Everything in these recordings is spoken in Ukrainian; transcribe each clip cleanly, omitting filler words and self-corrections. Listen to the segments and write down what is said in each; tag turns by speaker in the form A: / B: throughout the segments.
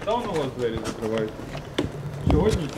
A: Давно у вас двері закривають? Сьогодні?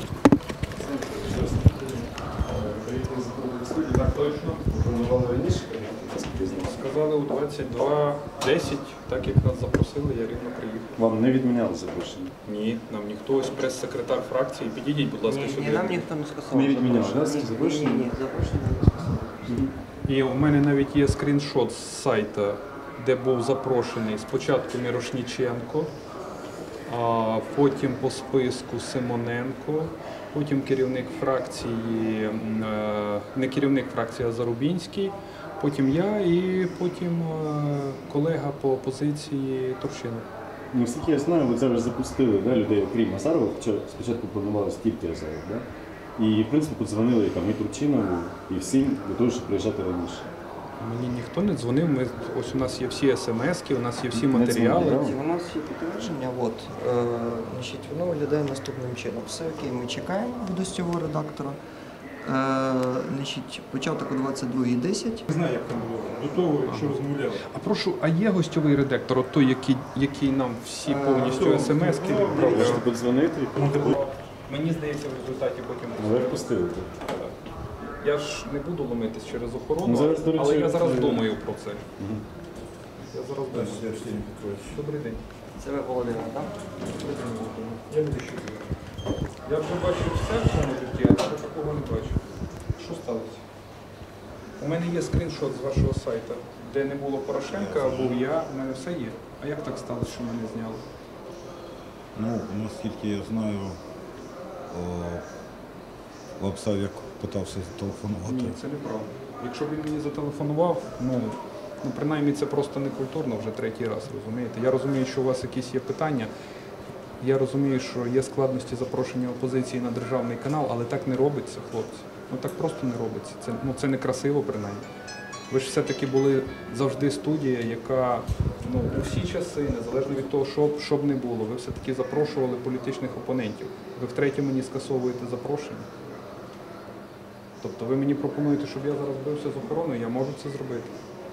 A: Так точно.
B: Планували раніше,
A: Сказали у 22:10, так як нас запросили, я рівно приїхав.
B: вам не відміняли запрошення?
A: Ні, нам ніхто, ось прес-секретар фракції, підійдіть, будь ласка,
C: Ні,
A: сюди.
C: нам ніхто не сказав.
B: Не відміняв, да, запрошення?
C: Ні, запрошення не сказав.
A: І у мене навіть є скріншот з сайту, де був запрошений спочатку Мірошніченко, а потім по списку Симоненко, потім керівник фракції, не керівник фракції, а Зарубінський, потім я і потім колега по опозиції Турчинов.
B: Ну, наскільки я знаю, ви зараз запустили, да, людей, окрім Азарова, хоча спочатку планувалося тільки Азаров, да? І, в принципі, подзвонили там, і Турчинову, і всім для того, щоб приїжджати раніше.
A: Мені ніхто не дзвонив, ось у нас є всі смски, у нас є всі
B: Не
A: матеріали.
B: дзвонили,
C: У нас є підтвердження, значить, воно виглядає наступним чином. Все окей, ми чекаємо від гостьового редактора. Значить, початок о 22:10.
D: Не знаю, як там було. До того, що розмовляли.
A: А прошу, а є гостьовий редактор, от той, який нам всі повністю смски відправляв?
B: Можете подзвонити,
A: Мені здається, в результаті потім.
B: але впустили. Так.
A: Я ж не буду ломитись через охорону,
B: Ну, зараз, до речі,
A: але я зараз
B: це-
A: думаю про це.
B: Мгм.
A: Я зараз думаю. Добрий день.
C: Це ви Володимир, так?
A: Я не вищу. Я вже бачив все в цьому житті, а ще такого не бачив. Що сталося? У мене є скріншот з вашого сайту, де не було Порошенка, а був я, у мене все є. А як так сталося, що мене зняли?
D: Ну, наскільки я знаю, Лапсавік питався зателефонувати.
A: Ні, це неправда. Якщо б він мені зателефонував, ну принаймні це просто некультурно вже третій раз, розумієте? Я розумію, що у вас якісь є питання. Я розумію, що є складності запрошення опозиції на державний канал, але так не робиться, хлопці. Ну так просто не робиться. Це не красиво, принаймні. Ви ж все-таки були завжди студія, яка у всі часи, незалежно від того, що б не було, ви все-таки запрошували політичних опонентів. Ви втретє мені скасовуєте запрошення. Тобто ви мені пропонуєте, щоб я зараз бився з охороною, я можу це зробити.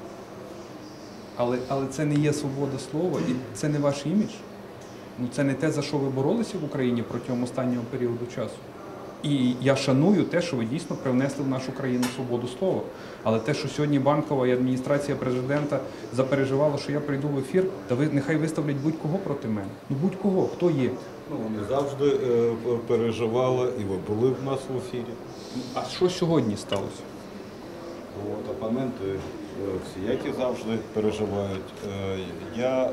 A: Але це не є свобода слова і це не ваш імідж. Ну, це не те, за що ви боролися в Україні протягом останнього періоду часу. І я шаную те, що ви дійсно привнесли в нашу країну свободу слова. Але те, що сьогодні Банкова і адміністрація президента запереживала, що я прийду в ефір, та ви нехай виставлять будь-кого проти мене. Ну будь-кого, хто є.
D: Ну, вони завжди переживали, і ви були в нас в ефірі.
A: А що сьогодні сталося?
D: От, опоненти всіякі завжди переживають. Я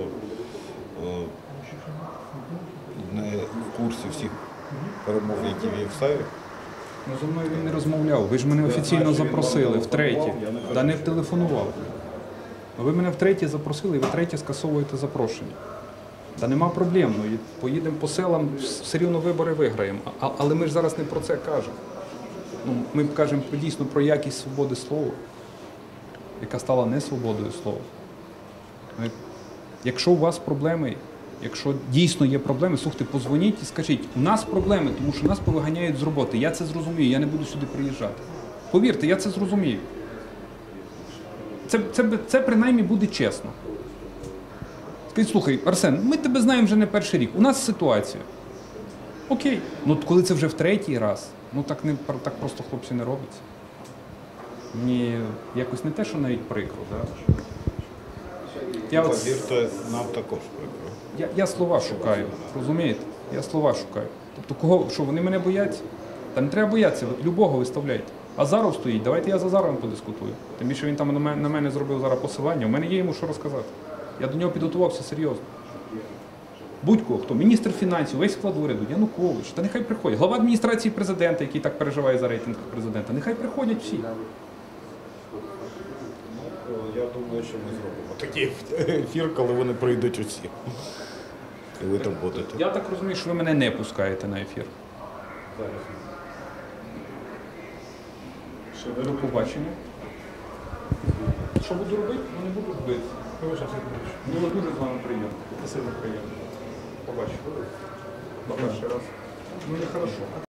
D: не в курсі всіх перемов, які вів Савік.
A: Ну, зі мною він не розмовляв. Ви ж мене офіційно запросили втретє. Та не втелефонував. Ви мене втретє запросили і ви втретє скасовуєте запрошення. Та нема проблем. Ну, і поїдемо по селам, все рівно вибори виграємо. Але ми ж зараз не про це кажемо. Ну, ми кажемо дійсно про якість свободи слова, яка стала не свободою слова. Якщо у вас проблеми, якщо дійсно є проблеми, слухайте, позвоніть і скажіть, у нас проблеми, тому що нас повиганяють з роботи. Я це зрозумію, я не буду сюди приїжджати. Повірте, я це зрозумію. Це принаймні буде чесно. Скажіть, слухай, Арсен, ми тебе знаємо вже не перший рік, у нас ситуація. Окей, ну коли це вже в третій раз, ну так просто хлопці не робиться. Мені якось не те, що навіть прикро. Да?
D: Повірте, нам також прикро.
A: Я слова шукаю, розумієте? Я слова шукаю. Тобто кого, що вони мене бояться? Та не треба боятися, любого виставляйте. Азаров стоїть, давайте я з Азаровим подискутую. Тим більше він там на мене зробив зараз посилання, у мене є йому що розказати. Я до нього підготувався серйозно. Будь-кого, хто? Міністр фінансів, весь склад уряду, Янукович, та нехай приходять. Глава адміністрації президента, який так переживає за рейтинг президента, нехай приходять всі.
D: Я думаю, що ми зробимо такий ефір, коли вони прийдуть усі. І ви там будете.
A: Я так розумію, що ви мене не пускаєте на ефір. До побачення. Що буду робити? Ну не буду робити. Було дуже з вами приємно. Це сильно приємно. Побачимо. На перший раз. Ну не хорошо.